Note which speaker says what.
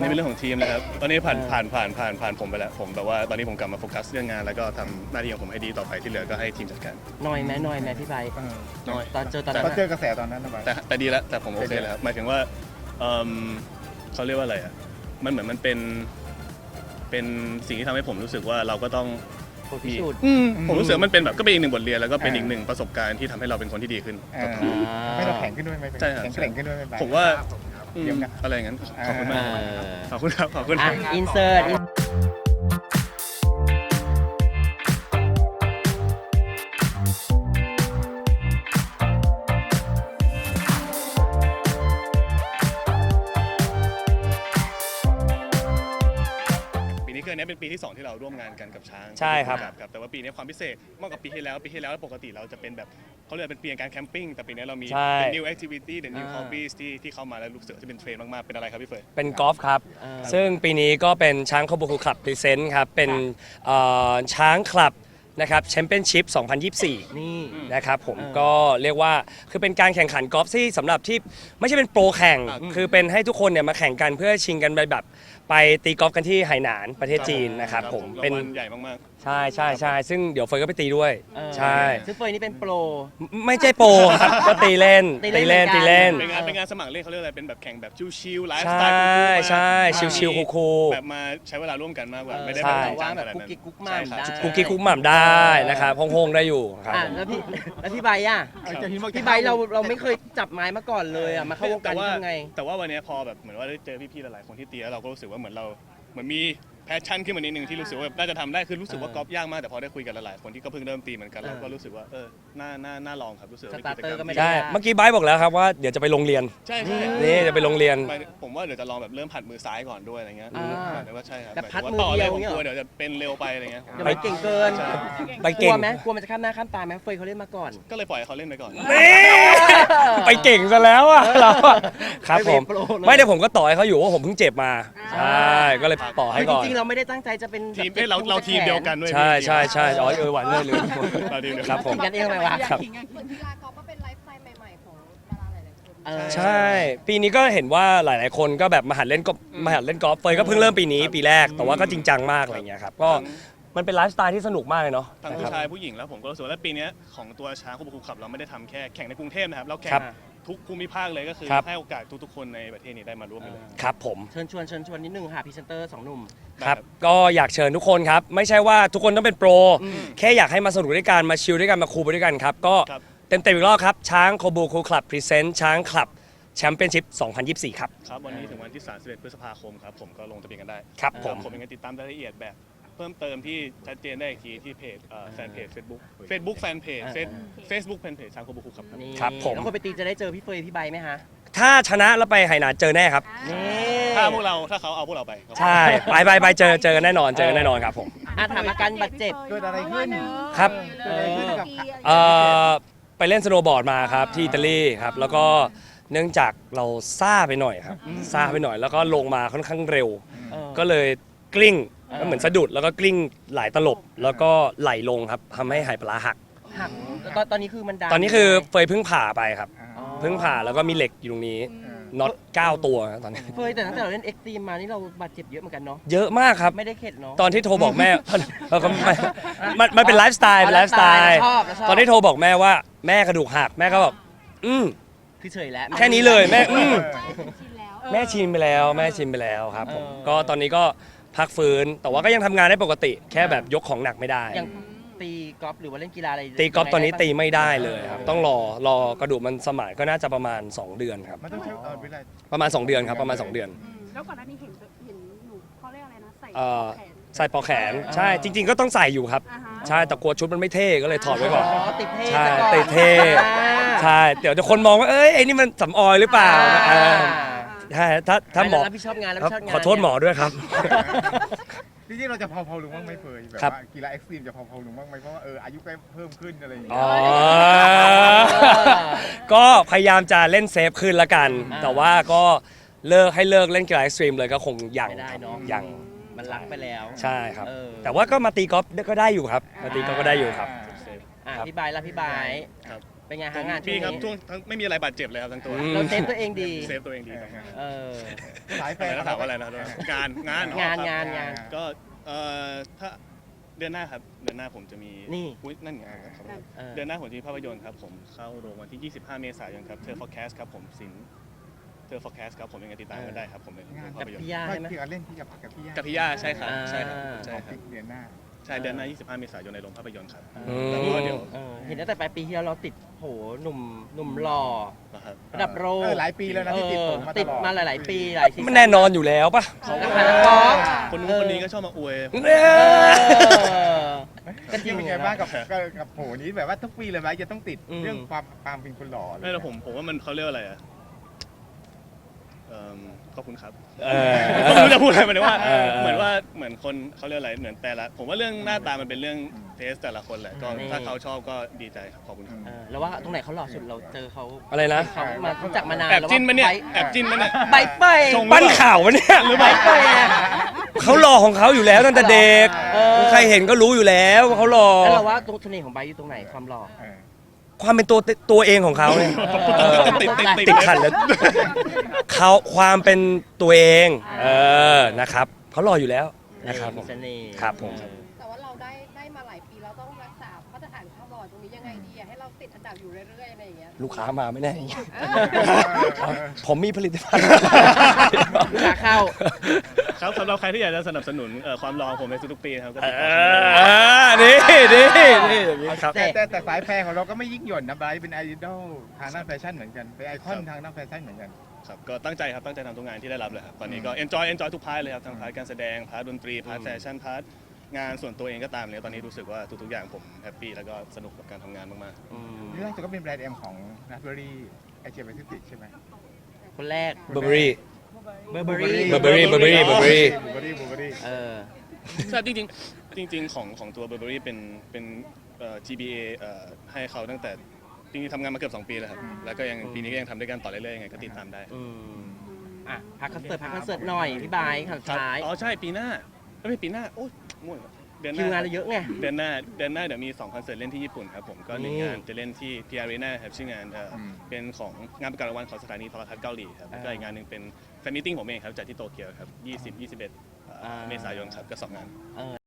Speaker 1: นี้เป็นเรื่องของทีมนะครับตอนนี้ผ่านผมไปแล้วผมแบบว่าตอนนี้ผมกลับมาโฟกัสเรื่องงานแล้วก็ทำหน้าที่ของผมให้ดีต่อไปที่เหลือก็ให้ทีมจัดการ
Speaker 2: น้อยไหมพี่ไบร์ท
Speaker 1: น้อย
Speaker 2: ตอนเจอตอน
Speaker 3: ต
Speaker 2: นั้
Speaker 3: อน
Speaker 2: น
Speaker 3: เจอกระแสตอนนั้นนะ
Speaker 1: แต่ดีแล้วแต่ผมโอเคแล้วครับหมายถึงว่าเขาเรียกว่าอะไรอ่ะมันเหมือนมันเป็นสิ่งที่ทำให้ผมรู้สึกว่าเราก็ต้อง
Speaker 2: พิสูจน์
Speaker 1: ผมรู้สึกว่ามันเป็นแบบก็เป็นอีกหนึ่งบทเรียนแล้วก็เป็นอีกหนึ่งประสบการณ์ที่ทำให้เราเป็นคนที่ดีขึ้น
Speaker 3: ไม่เราแข็งขึ้นด้วยไหม
Speaker 1: ใช่ครับ
Speaker 3: แข็งแกร่งขึ้นด้วยไหม
Speaker 1: ผมว่า
Speaker 3: เดี๋ยวนะ
Speaker 1: อะไรอย่างนั้นขอบคุณมากขอบคุณครับขอบคุณ
Speaker 2: อ่ะอินเสิร์ต
Speaker 1: ปีนี้คืออันนี้เป็นปีที่ 2ที่เราร่วมงานกันกับช้าง
Speaker 4: ใช่ครับ
Speaker 1: แต่ว่าปีนี้ความพิเศษมากกว่าปีที่แล้วปกติเราจะเป็นแบบเขาเรียกเป็นปีการแคมปิ้งแต่ปีนี้เรามี
Speaker 4: ใช่
Speaker 1: เป็น new activity เป็น new hobbies ที่เข้ามาแล้วรู้สึกว่าจะเป็นเทรนด์มากๆเป็นอะไรครับพี่เฟย
Speaker 4: เป็นกอล์ฟครับ ซึ่งปีนี้ก็เป็นช้างคาบูคูคลับพรีเซนต์ครับ เป็นช้างคลับนะครับแชมเปี้ยนชิพ 2024
Speaker 2: นี่
Speaker 4: นะครับผมก็เรียกว่าคือเป็นการแข่งขันกอล์ฟที่สำหรับที่ไม่ใช่เป็นโปรแข่ง คือเป็นให้ทุกคนเนี่ยมาแข่งกันเพื่อชิงกันไปแบบไปตีกอล์ฟกันที่ไหหนานประเทศจีนนะครับผม
Speaker 1: เป็
Speaker 4: เป็น น
Speaker 1: ใหญ่มาก
Speaker 4: ใช่ซึ่งเดี๋ยวเฟยก็ไปตีด้วย ใช่
Speaker 2: ซึ่งเฟยนี่เป็นโปร
Speaker 4: ไม่ใช่โปรครับ ก็ตีเล่น
Speaker 2: ตีเล่น
Speaker 1: ๆเป็นงานสมัครเล่นเขาเรียกอะไรเป็นแบบแข่งแบบชิลๆไลฟ์ส
Speaker 4: ใช่
Speaker 1: ไตล์คูลๆ
Speaker 4: ใช่ชิลๆคูล
Speaker 1: แบบมาใช้เวลาร่วมกันมากกว่าไม่ได้
Speaker 4: ใช่
Speaker 1: แบบจริงจั
Speaker 2: ว่าง
Speaker 1: ข
Speaker 2: แบบ
Speaker 1: นาด
Speaker 2: กุ๊ก
Speaker 1: นั้น
Speaker 2: กิ๊กกุ๊กม่าม
Speaker 1: ใช่
Speaker 2: ได้
Speaker 1: ครับ
Speaker 4: ๆคุกกี้คุกหม่ำได้นะครับโฮงๆได้อยู่ครับ
Speaker 2: อ่ะ
Speaker 4: ผม
Speaker 2: แล้วพี่ไบร์ทอ่ะพี่ไบร์ทเราไม่เคยจับไม้มาก่อนเลยอ่ะมาเข้าวงการทำไง
Speaker 1: แต่ว่าวันนี้พอแบบเหมือนว่าได้เจอพี่ๆหลายๆคนที่ตีแล้วเราก็รู้สึกว่าเหมือนมีแพชชั่นขึ้นมานิดนึงที่รู้สึกว่าน่าจะทำได้คือรู้สึกว่ากอล์ฟยากมากแต่พอได้คุยกันหลายๆคนที่ก็เพิ่งเริ่มตีเหมือนกันเราก็รู้สึกว่าน่าลองครับรู้สึกว่าเป็นกิจกรรม
Speaker 2: สตาร์เตอร์ก็ไม่ได้
Speaker 4: ใช่เมื่อกี้ไบร์ทบอกแล้วครับว่าเดี๋ยวจะไปโรงเรียน
Speaker 1: ใช่
Speaker 4: นี่จะไปโรงเรียน
Speaker 1: ผมว่าเดี๋ยวจะลองแบบเริ่มผัดมือซ้ายก่อนด้วยอะไรเงี้ยแต่ว่าใช่ครับ
Speaker 2: แบบพัด
Speaker 1: ว่า
Speaker 2: มือ
Speaker 1: ต่อ
Speaker 2: เดี
Speaker 1: เลย
Speaker 2: ยว
Speaker 1: ผม
Speaker 2: เงี้ย
Speaker 1: กลัวเดี๋ยวจะเป็นเร็วไปอะไรเงี้ย
Speaker 2: เดี๋ยวมันเก่งเกิน
Speaker 1: ใช่
Speaker 4: ไป
Speaker 2: ก
Speaker 4: เก่
Speaker 2: ลั
Speaker 4: ง
Speaker 2: วไหมกลัวมันจะข้ามหน้าข้ามตาไหมเฟยเขาเล่นมาก่อน
Speaker 1: ก็เลยปล่อยให้เขาเล่นไปก่อน
Speaker 4: ไปเก่งซะแล้วอ่ะเราอะครับผม
Speaker 2: ไม่เป็นโปรเลย
Speaker 4: ไม่ได้ผมก็ต่อให้เขาอยู่ว่าผมเพิ่งเจ็บมาใช่ก็เลยต่อให้
Speaker 2: คือ
Speaker 4: ก่อน
Speaker 2: จริงๆเราไม่ได้ตั้งใจจะเป็น
Speaker 1: ทีมเราทีมเดียวกันด้วย
Speaker 4: ใช่อ๋อหวานเลยเลย
Speaker 1: เราทีมเดียว
Speaker 4: ครับผม
Speaker 2: ขิงกันเองเลยวะ
Speaker 4: ครับ
Speaker 5: เหมือนกีฬากอล์ฟก็เป็นไลฟ์สไตล์ใหม่ๆของดาราหลายๆคน
Speaker 4: ใช่ ปีนี้ก็เห็นว่าหลายๆคนก็แบบมาหัดเล่นกอล์ฟเฟยก็เพิ่งเริ่มปีนี้ปีแรกแต่ว่าก็จริงจังมากอะไรเงี้ยครับก็มันเป็นไลฟ์สไตล์ที่สนุกมากเลยเนาะ
Speaker 1: ทั้งผู้ชายผู้หญิงแล้วผมก็รู้สึกว่าปีนี้ของตัวช้างคูบูขับเราไม่ได้ทำแค่แข่งในกรุงเทพนะครับเราแข่
Speaker 4: ครั
Speaker 1: ง
Speaker 4: บ
Speaker 1: ทุกภูมิภาคเลยก็คือ
Speaker 4: ครับ
Speaker 1: ให้โอกาสทุกๆคนในประเทศนี้ได้มาร่วมกันเลย
Speaker 4: ครับผม
Speaker 2: เชิญชวนนิดนึงค่ะพรีเซนเตอร์สองหนุ่ม
Speaker 4: ครับก็อยากเชิญทุกคนครับไม่ใช่ว่าทุกคนต้องเป็นโปรแค่อยากให้มาสนุกด้วยกันมาชิลด้วยกันมาคูลไปด้วยกันครับก็
Speaker 1: ครับ
Speaker 4: เต็มอีกรอบครับช้างโคบูคูคลับพรีเซนต์ช้างคลับแชมเปี้ยนชิพ 2024 ครับ
Speaker 1: ครับวันนี้ถึงวันที่31พฤษภาคมครับผมก็ลงทะเบียนกันได้
Speaker 4: ครับผม
Speaker 1: ผมยังไงติดตามรายละเอียดแบบเพิ่มเติมที่ชัดเจนได้อีกทีที่เพจแฟนเพจ Facebook แฟนเพจ Facebook แฟนเพจช้างคูบูขับครับ
Speaker 2: นี่
Speaker 4: ครับผม
Speaker 2: แล้วคนไปตีจะได้เจอพี่เฟยพี่ไบร์ทไหมฮะ
Speaker 4: ถ้าชนะแล้วไปไหหนานเจอแน่ครับ
Speaker 2: นี่
Speaker 1: ถ้าเขาเอาพวกเราไปครับ
Speaker 4: ใช่ไปเจอกันแน่นอนครับผม
Speaker 2: ถามอาการบาดเจ็บ
Speaker 3: เกิดอะไรขึ้น
Speaker 4: ครับ
Speaker 3: เกิดอะไรขึ้นกับ
Speaker 4: ไปเล่นสโนว์บอร์ดมาครับที่อิตาลีครับแล้วก็เนื่องจากเราซ่าไปหน่อยครับซ่าไปหน่อยแล้วก็ลงมาค่อนข้างเร็ว ก็เลยกลิ้งก็เหมือนสะดุดแล้วก็กลิ้งหลายตลบแล้วก็ไหลลงครับทำให้ไหปลาร้าหัก
Speaker 2: หักตอนนี้คือมันดัง
Speaker 4: ตอนนี้คือเฟยเพิ่งผ่าไปครับ
Speaker 2: อ๋อ
Speaker 4: เพิ่งผ่าแล้วก็มีเหล็กอยู่ตรงนี้น็อต9 ตัวครับตอนนี้
Speaker 2: เฟยแต่ตั้งแต่เราเล่นเอ็กซ์ตรีมมานี่เราบาดเจ็บเยอะเหมือนกันเนาะ
Speaker 4: เยอะมากครับ
Speaker 2: ไม่ได้เข็ดเนาะ
Speaker 4: ตอนที่โทรบอกแม่ เราก็ไม่มันเป็นไลฟ์สไตล์เป็นไลฟ์สไตล์
Speaker 2: เราชอบ
Speaker 4: ตอนที่โทรบอกแม่ว่าแม่กระดูกหักแม่ก็บอก
Speaker 2: คือเฉยแล้ว
Speaker 4: แค่นี้เลยแม่
Speaker 5: ชินแล้ว
Speaker 4: แม่ชินไปแล้วครับผม
Speaker 2: เออ
Speaker 4: ก็ตอนนี้ก็พักฟื้นแต่ว่าก็ยังทำงานได้ปกติ แค่แบบยกของหนักไม่ได้
Speaker 2: อย่างตีกอล์ฟหรือว่าเล่นกีฬาอะไร
Speaker 4: ตีกอล์ฟตอนนี้ตีไม่ได้เลยครับต้องรอกระดูกมันสมานก็น่าจะประมาณ 2 เดือนครับ
Speaker 3: มันต้องใช้เวลา
Speaker 4: ประมาณ 2 เดือนครับประมาณ 2 เดือน
Speaker 5: แล้วก่อนหน้านี้เห็นหนูเขาเรียกอะไรนะใส่
Speaker 4: เอ่อ
Speaker 5: แขน
Speaker 4: ใส่ปลอกแขนใช่จริง ๆ ก็ต้องใส่อยู่ครับ
Speaker 5: อ่าฮะ
Speaker 4: ใช่แต่กลัวชุดมันไม่เท่ก็เลยถอดไว้ก่อน
Speaker 2: อ๋อติดเท่
Speaker 4: ใช่
Speaker 2: ซะก่อน
Speaker 4: ติดเท่
Speaker 2: อ่า
Speaker 4: ใช่เดี๋ยวจะคนมองว่าเอ้ยไอ้นี่มันสำออยหรือเปล่าใช่ถ้าหมอ
Speaker 2: รับผิดชอบงานรับ
Speaker 4: ค
Speaker 2: ผิ
Speaker 4: รับ
Speaker 2: ดชอบงาน
Speaker 4: ขอโทษหมอด้วยครับ
Speaker 3: จริงๆเราจะเผาๆลงบ้างไหมเฟยแบบ
Speaker 4: ครับ
Speaker 3: ว่ากีฬาเอ็กซ์ตรีมจะเผาๆลงบ้างไหมเพราะว่าอายุใกล้เพิ่มขึ้นอะไรอย่างเงี้
Speaker 4: อ๋
Speaker 3: ย
Speaker 4: อ ก็พยายามจะเล่นเซฟขึ้นละกัน แต่ว่าก็เลิกเล่นกีฬาเอ็กซ์ตรีมเลยก็คงยัง
Speaker 2: ไม่ได้เนาะ
Speaker 4: ยัง
Speaker 2: มันรักไปแล้ว
Speaker 4: ใช่ครับ
Speaker 2: เออ
Speaker 4: แต่ว่าก็มาตีกอล์ฟก็ได้อยู่ครับมาตีกอล์ฟก็ได้อยู่ครับ
Speaker 2: พี่ไบร์ทละพี่ไบร์ทเป็นไง
Speaker 1: ผ
Speaker 2: ฮะ
Speaker 1: ม
Speaker 2: งานช่
Speaker 1: พี่
Speaker 2: วง
Speaker 1: ครับ
Speaker 2: นี้
Speaker 1: ช่วงทั้งไม่มีอะไรบาดเจ็บเลยครับทั้งตัว
Speaker 2: เราเซฟตัวเองดี
Speaker 1: เซฟตัวเองดีครับ
Speaker 2: เออ
Speaker 3: สายแฟ
Speaker 1: อะไร
Speaker 3: น
Speaker 1: นะถามว่าอะไรนะงาน
Speaker 2: งาน
Speaker 1: อ๋อครับ
Speaker 2: งาน
Speaker 1: ก็ถ้าเดือนหน้าครับเดือนหน้าผมจะมี
Speaker 2: นี่
Speaker 1: อุ๊ยนั่นไงครับ
Speaker 2: เออ
Speaker 1: เดือนหน้าผมจะมีภาพยนตร์ครับผมเข้าโรงวันที่ 25 เมษายนครับเธอ forecast ครับผมสินเธอ forecast ครับผมยังไงติดตามกันได้ครับผมในโรงภาพยนต
Speaker 2: พี่
Speaker 1: ร์
Speaker 2: ย่า
Speaker 3: ไม่
Speaker 2: ใช่ไหม
Speaker 3: ที่เล่นที่กับพี่ย่า
Speaker 1: กับพี่ย่าใช่ครับ
Speaker 2: อ่า
Speaker 1: ใช่ครับ
Speaker 3: ข
Speaker 1: ใช่
Speaker 3: อง
Speaker 1: ครับ
Speaker 3: เดือนหน้า
Speaker 1: ใช่เดือนหน้า 25 เมษายนในโรงภาพยนตร์ครับ
Speaker 4: อืม
Speaker 1: แล้วก็เดี๋ยว
Speaker 2: เห็นตั้งแต่ปลายปีที่แล้วเราติดโหหนุ่มหล่อ
Speaker 1: นะครับ
Speaker 2: ระดับโลก
Speaker 3: หลายปีแล้วนะที่ติดผมมาตลอด
Speaker 2: ติดมาหลาย ๆ ปีหลายซีซั่
Speaker 4: มันแน่นอนอยู่แล้วปะ
Speaker 2: นักหานักร้อง
Speaker 1: คนนู้นคนนี้ก็ชอบมาอวย
Speaker 4: เนี่ย
Speaker 2: ก็จริง
Speaker 3: เป็นไงบ้างกับโหนี้แบบว่าทุกปีเลยไหมจะต้องติด
Speaker 2: อืม
Speaker 3: เรื่องความเป็นคนหล่อเลย
Speaker 1: ไม่แต่ผมว่ามันเขาเรียกว่าอะไรอ่ะขอบคุณครับ
Speaker 4: เออ
Speaker 1: ผมไม่รู้จะพูดอะไรหมายถึงว่า
Speaker 4: เออ
Speaker 1: เหมือนว่าเหมือนคนเขาเรียกอะไรเหมือนแต่ละผมว่าเรื่องหน้าตามันเป็นเรื่องเทสแต่ละคนแหละก็
Speaker 2: นี่
Speaker 1: ถ้าเขาชอบก็ดีใจครับขอบคุณครับ
Speaker 2: แล้วว่าตรงไหนเขาหล่อสุดเราเจอเขา
Speaker 4: อะไรนะ
Speaker 2: เขามารู้จักมานาน
Speaker 1: แอบจิ้นมันเนี่ย
Speaker 2: แล้วว่า
Speaker 1: แอบจิ้นมันเนี่ย
Speaker 2: ใบเป้ย
Speaker 1: ชง
Speaker 4: ปั้นข่าววะเนี่ย
Speaker 2: หรือใบเป้ยอะ
Speaker 4: เขาหล่อของเขาอยู่แล้วตั้งแต่เด็ก
Speaker 2: เออ
Speaker 4: ใครเห็นก็รู้อยู่แล้วว่าเขาหล่อ
Speaker 2: แล้วเราว่าตรงเสน่ห์ของใบอยู่ตรงไหนความหล่อ
Speaker 3: เออ
Speaker 4: ความเป็นตัวเองของเขาเนี่ย
Speaker 2: เออ
Speaker 4: ติดขัดแล้วเขาความเป็นตัวเองนะครับเขาหล่ออยู่แล้วนะครับผ
Speaker 2: มี
Speaker 4: ม
Speaker 2: เสน่ห์
Speaker 4: ครับผม
Speaker 5: แต่ว่าเราได้มาหลายปีเราต้องรักษามาตรฐานความหล่อตรงนี้ยังไงดีอะให้เราติดอันดับอยู่เรื่อยๆอะไรอย่างเงี้ย
Speaker 4: ลูกค้ามาไม่แน่ผมมีผลิตภัณฑ์
Speaker 2: ลูกค้าเข้า
Speaker 1: ครับสำหรับใครที่อยากจะสนับสนุนความรอของผมในทุกๆปีนะครับก็ติดต่อ
Speaker 4: นี่อย่างนี้ครับ
Speaker 3: แต่สายแฟนของเราก็ไม่ยิ่งหย่อนนะไบรท์เป็นไอดอลทางด้านแฟชั่นเหมือนกันเป็นไอคอนทางด้านแฟชั่นเหมือนกัน
Speaker 1: ครับก็ตั้งใจครับตั้งใจทำทุกงานที่ได้รับเลยครับตอนนี้ก็ enjoy ทุกพาร์ทเลยครับทั้งพาร์ทการแสดงพาร์ทดนตรีพาร์ทแฟชั่นพาร์ทงานส่วนตัวเองก็ตามเลยตอนนี้รู้สึกว่าทุกๆอย่างผมแฮปปี้แล้วก็สนุกกับการทำงานมาก
Speaker 3: นี่ล่าสุดก็เป็นแบรนด์เอ็มของนัทเบอรี่ไอเชียแปซิฟิกใช่ไหม
Speaker 2: คนแรก
Speaker 4: เบอร์เบอรี่
Speaker 2: เบอร์เบอรี่
Speaker 4: Burberry
Speaker 3: บูเบอรี่
Speaker 2: เออ
Speaker 1: ๆใช่จริงๆของตัว Burberry เป็นGBA ให้เขาตั้งแต่จริงๆทำงานมาเกือบ2 ปีแล้วครับแล้วก็ยังปีนี้ก็ยังทำด้วยกันต่อเรื่อยๆยังไงก็ติดตามได้
Speaker 2: อ่ะพักคอนเสิร์ตหน่อยพี่บายข่าว
Speaker 1: ครับ
Speaker 2: ท้าย
Speaker 1: อ๋อใช่ปีหน้าไม่ปีหน้าโอ้ยมั่วเดือนห
Speaker 2: คิวงาน
Speaker 1: น้า
Speaker 2: เราเยอะไง
Speaker 1: เดือนหน้าเดี๋ยวมี2 คอนเสิร์ตเล่นที่ญี่ปุ่นครับผมก็หนึ่ง
Speaker 2: นี่
Speaker 1: งานจะเล่นที่ PR Arena ครับชื่องานเป็นของงานประกาศรางวัลของสถานีโทรทัศน์เกาหลีครับแล้วก็อีกงานหนึ่งเป็นแฟนมิทติ้งผมเองครับจัดที่โตเกียวครับ20-21 เมษายนครับก็2 งาน